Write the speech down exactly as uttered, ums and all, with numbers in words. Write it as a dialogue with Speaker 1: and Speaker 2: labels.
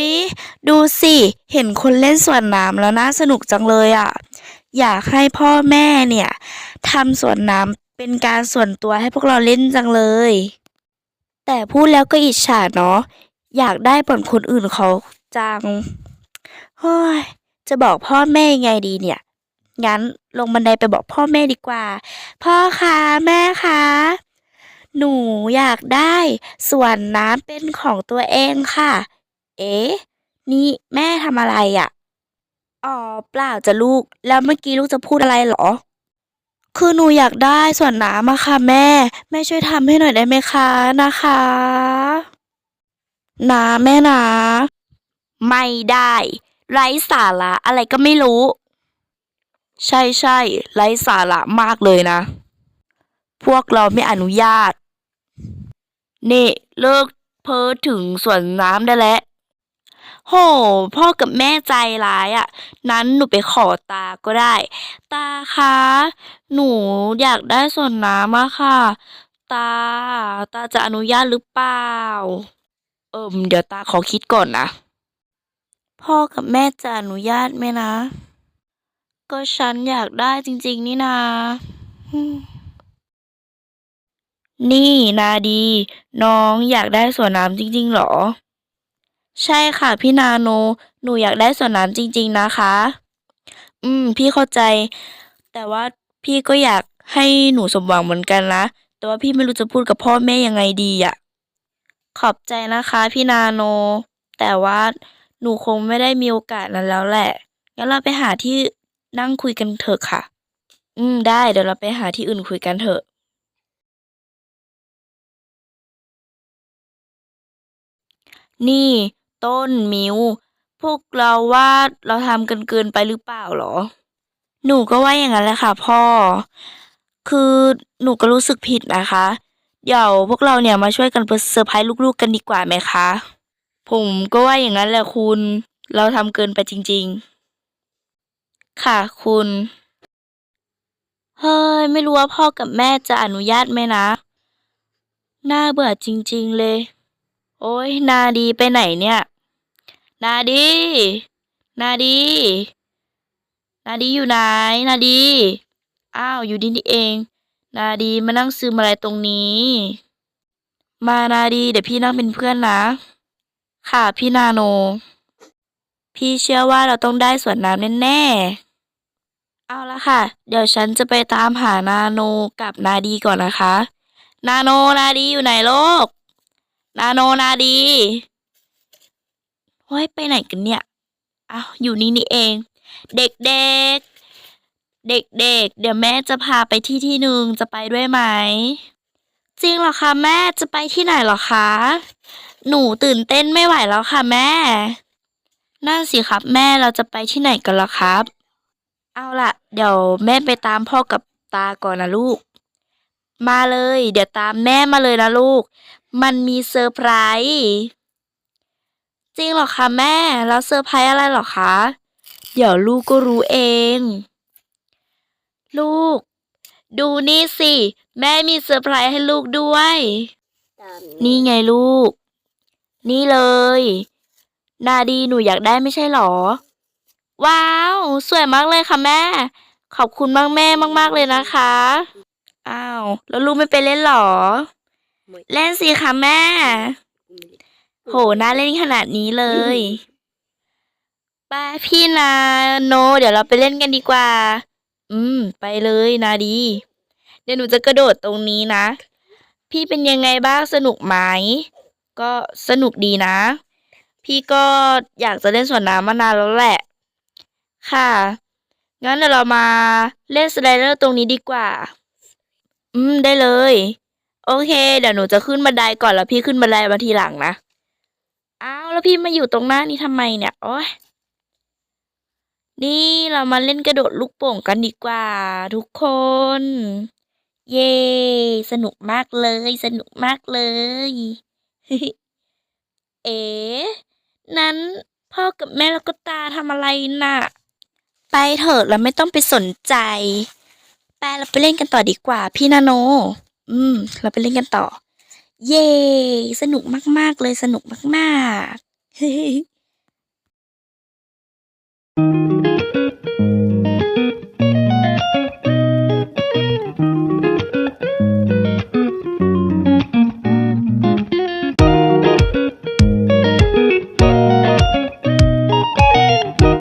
Speaker 1: ยดูสิเห็นคนเล่นสวนน้ำแล้วน่าสนุกจังเลยอ่ะอยากให้พ่อแม่เนี่ยทำสวนน้ำเป็นการส่วนตัวให้พวกเราเล่นจังเลยแต่พูดแล้วก็อิจฉาเนาะอยากได้เหมือนคนอื่นเขาจังเฮ้ยจะบอกพ่อแม่ยังไงดีเนี่ยงั้นลงบันไดไปบอกพ่อแม่ดีกว่าพ่อคะแม่คะหนูอยากได้สวนน้ำเป็นของตัวเองค่ะเอ๊ะนี่แม่ทำอะไรอ่ะอ๋อเปล่าจ้ะลูกแล้วเมื่อกี้ลูกจะพูดอะไรเหรอคือหนูอยากได้สวนน้ำอะค่ะแม่แม่ช่วยทำให้หน่อยได้ไหมคะนะคะนะแม่นะไม่ได้ไร้สาระอะไรก็ไม่รู้ใช่ใช่ไร้สาระมากเลยนะพวกเราไม่อนุญาตนี่เลิกเพ้อถึงสวนน้ำได้แล้วโหพ่อกับแม่ใจร้ายอ่ะนั้นหนูไปขอตาก็ได้ตาคะหนูอยากได้สวนน้ำอะค่ะตาตาจะอนุญาตหรือเปล่าเอิมเดี๋ยวตาขอคิดก่อนนะพ่อกับแม่จะอนุญาตไหมนะก็ฉันอยากได้จริงๆนี่นาอืมนี่นาดีน้องอยากได้สวนน้ำจริงๆเหรอใช่ค่ะพี่นาโนหนูอยากได้สวนน้ำจริงๆนะคะอืมพี่เข้าใจแต่ว่าพี่ก็อยากให้หนูสมหวังเหมือนกันนะแต่ว่าพี่ไม่รู้จะพูดกับพ่อแม่ยังไงดีอ่ะขอบใจนะคะพี่นาโนแต่ว่าหนูคงไม่ได้มีโอกาสนั้นแล้วแหละงั้นเราไปหาที่นั่งคุยกันเถอะค่ะอืมได้เดี๋ยวเราไปหาที่อื่นคุยกันเถอะนี่ต้นมิวพวกเราว่าเราทำกันเกินไปหรือเปล่าหรอหนูก็ว่าอย่างนั้นแหละค่ะพ่อคือหนูก็รู้สึกผิดนะคะเดี๋ยวพวกเราเนี่ยมาช่วยกันเซอร์ไพรส์ลูกๆกันดีกว่าไหมคะผมก็ว่าอย่างนั้นแหละคุณเราทำเกินไปจริงๆค่ะคุณเฮ้ยไม่รู้ว่าพ่อกับแม่จะอนุญาตไหมนะน่าเบื่อจริงๆเลยโอ้ยนาดีไปไหนเนี่ยนาดีนาดีนาดีอยู่ไหนนาดีอ้าวอยู่ดีนี่เองนาดีมานั่งซึมอะไรตรงนี้มานาดีเดี๋ยวพี่นั่งเป็นเพื่อนนะค่ะพี่นาโนพี่เชื่อว่าเราต้องได้สวนน้ำแน่ๆเอาละค่ะเดี๋ยวฉันจะไปตามหานาโนกับนาดีก่อนนะคะนาโนนาดีอยู่ไหนโลกนาโนนาดีเฮ้ยไปไหนกันเนี่ยอ้าวอยู่นี่นี่เองเด็กๆเด็กๆเดี๋ยวแม่จะพาไปที่ที่หนึ่งจะไปด้วยไหมจริงเหรอคะแม่จะไปที่ไหนเหรอคะหนูตื่นเต้นไม่ไหวแล้วค่ะแม่นั่นสิครับแม่เราจะไปที่ไหนกันล่ะครับเอาล่ะเดี๋ยวแม่ไปตามพ่อกับตาก่อนนะลูกมาเลยเดี๋ยวตามแม่มาเลยนะลูกมันมีเซอร์ไพรส์จริงเหรอคะแม่แล้วเซอร์ไพรส์อะไรเหรอคะเดี๋ยวลูกก็รู้เองลูกดูนี่สิแม่มีเซอร์ไพรส์ให้ลูกด้วยนี่ไงลูกนี่เลยนาดีหนูอยากได้ไม่ใช่เหรอว้าวสวยมากเลยค่ะแม่ขอบคุณมากแม่มากๆเลยนะคะอ้าวแล้วลูกไม่ไปเล่นเหรอเล่นสิคะแม่โหน่าเล่นขนาดนี้เลยไปพี่นาโนเดี๋ยวเราไปเล่นกันดีกว่าอืมไปเลยนาดีเดี๋ยวหนูจะกระโดดตรงนี้นะพี่เป็นยังไงบ้างสนุกไหมก็สนุกดีนะพี่ก็อยากจะเล่นสวนน้ำมานานแล้วแหละค่ะงั้นเดี๋ยวเรามาเล่นสไลเดอร์ตรงนี้ดีกว่าอืมได้เลยโอเคเดี๋ยวหนูจะขึ้นบันไดก่อนแล้วพี่ขึ้นบันไดมาทีหลังนะอ้าวแล้วพี่มาอยู่ตรงหน้านี้ทำไมเนี่ยโอ้ยนี่เรามาเล่นกระโดดลูกโป่งกันดีกว่าทุกคนเย้สนุกมากเลยสนุกมากเลยเอ๋นั้นพ่อกับแม่แล้วก็ตาทำอะไรน่ะไปเถอะเราไม่ต้องไปสนใจไปเราไปเล่นกันต่อดีกว่าพี่นาโนอืมเราไปเล่นกันต่อเย้สนุกมากๆเลยสนุกมากๆะ